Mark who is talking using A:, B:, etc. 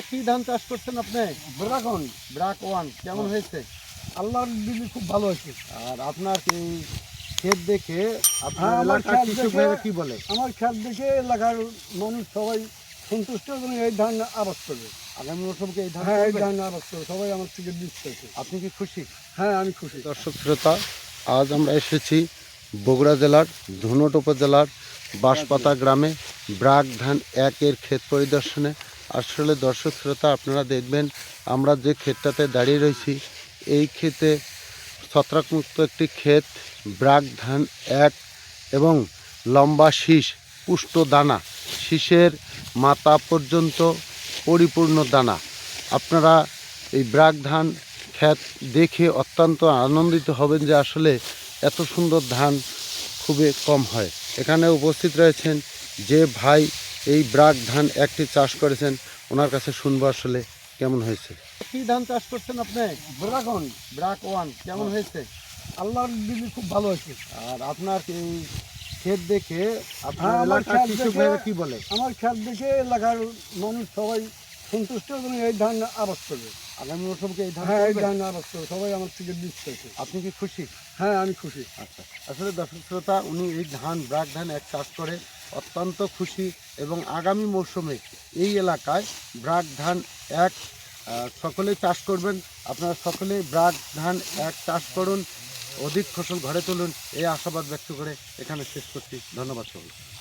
A: কি ধান চাষ করছেন আপনি?
B: ড্রাগন
A: ব্রাক ওয়ান কেমন হয়েছে?
B: আল্লাহর দিলে খুব ভালো হয়েছে।
A: আর আপনার এই ক্ষেত দেখে আপনার
B: হ্যাঁ, আমার
A: এলাকার
B: ক্ষেত
A: কৃষক
B: দেখে-
A: ভাইরা কি বলে?
B: আমার খেত দেখে এলাকার মানুষ সবাই সন্তুষ্ট এবং এই ধান আবাদ করবে।
A: আগামী মৌসুমকে এই ধান
B: হ্যাঁ, এই
A: করবে?
B: ধান আবাদ করবে, সবাই আমার থেকে বীজ পেয়েছে।
A: আপনি কি খুশি?
B: হ্যাঁ, আমি খুশি।
C: দর্শক শ্রোতা, আজ আমরা এসেছি বগুড়া জেলার ধুনট উপজেলার বাঁশপাতা গ্রামে ব্রাক ধান একের ক্ষেত পরিদর্শনে। আসলে দর্শক শ্রোতা, আপনারা দেখবেন আমরা যে ক্ষেতটাতে দাঁড়িয়ে রয়েছি, এই ক্ষেতে ছত্রাকমুক্ত একটি ক্ষেত। ব্রাক ধান এক এবং লম্বা শীষ, পুষ্ট দানা, শীষের মাথা পর্যন্ত পরিপূর্ণ দানা। আপনারা এই ব্রাক ধান ক্ষেত দেখে অত্যন্ত আনন্দিত হবেন যে আসলে এত সুন্দর ধান খুবই কম হয়। এখানে উপস্থিত রয়েছেন যে ভাই এই ব্রাক ধান একটি চাষ করেছেন, ওনার কাছে শুনবো আসলে কেমন হয়েছে।
A: কি ধান চাষ করছেন আপনি?
B: ড্রাগন
A: ব্রাক ওয়ান কেমন হয়েছে?
B: আল্লাহর দিলে খুব ভালো হয়েছে।
A: আর আপনার এই ক্ষেত দেখে আপনার
B: হ্যাঁ, আমার
A: এলাকার
B: ক্ষেত
A: কৃষক
B: দেখে-
A: ভাইরা কি বলে?
B: আমার খেত দেখে এলাকার মানুষ সবাই সন্তুষ্ট এবং এই ধান আবাদ করবে।
A: আগামী মৌসুমকে এই ধান
B: হ্যাঁ, এই
A: করবে?
B: ধান আবাদ করবে, সবাই আমার থেকে বীজ পেয়েছে।
A: আপনি কি খুশি?
B: হ্যাঁ, আমি খুশি।
A: আচ্ছা, আসলে দর্শক শ্রোতা, উনি এই ধান ব্রাক ধান এক চাষ করে অত্যন্ত খুশি এবং আগামী মৌসুমে এই এলাকায় ব্রাক ধান এক সকলেই চাষ করবেন। আপনারা সকলেই ব্রাক ধান এক চাষ করুন, অধিক ফসল ঘরে তুলুন, এই আশাবাদ ব্যক্ত করে এখানে শেষ করছি। ধন্যবাদ সকলকে।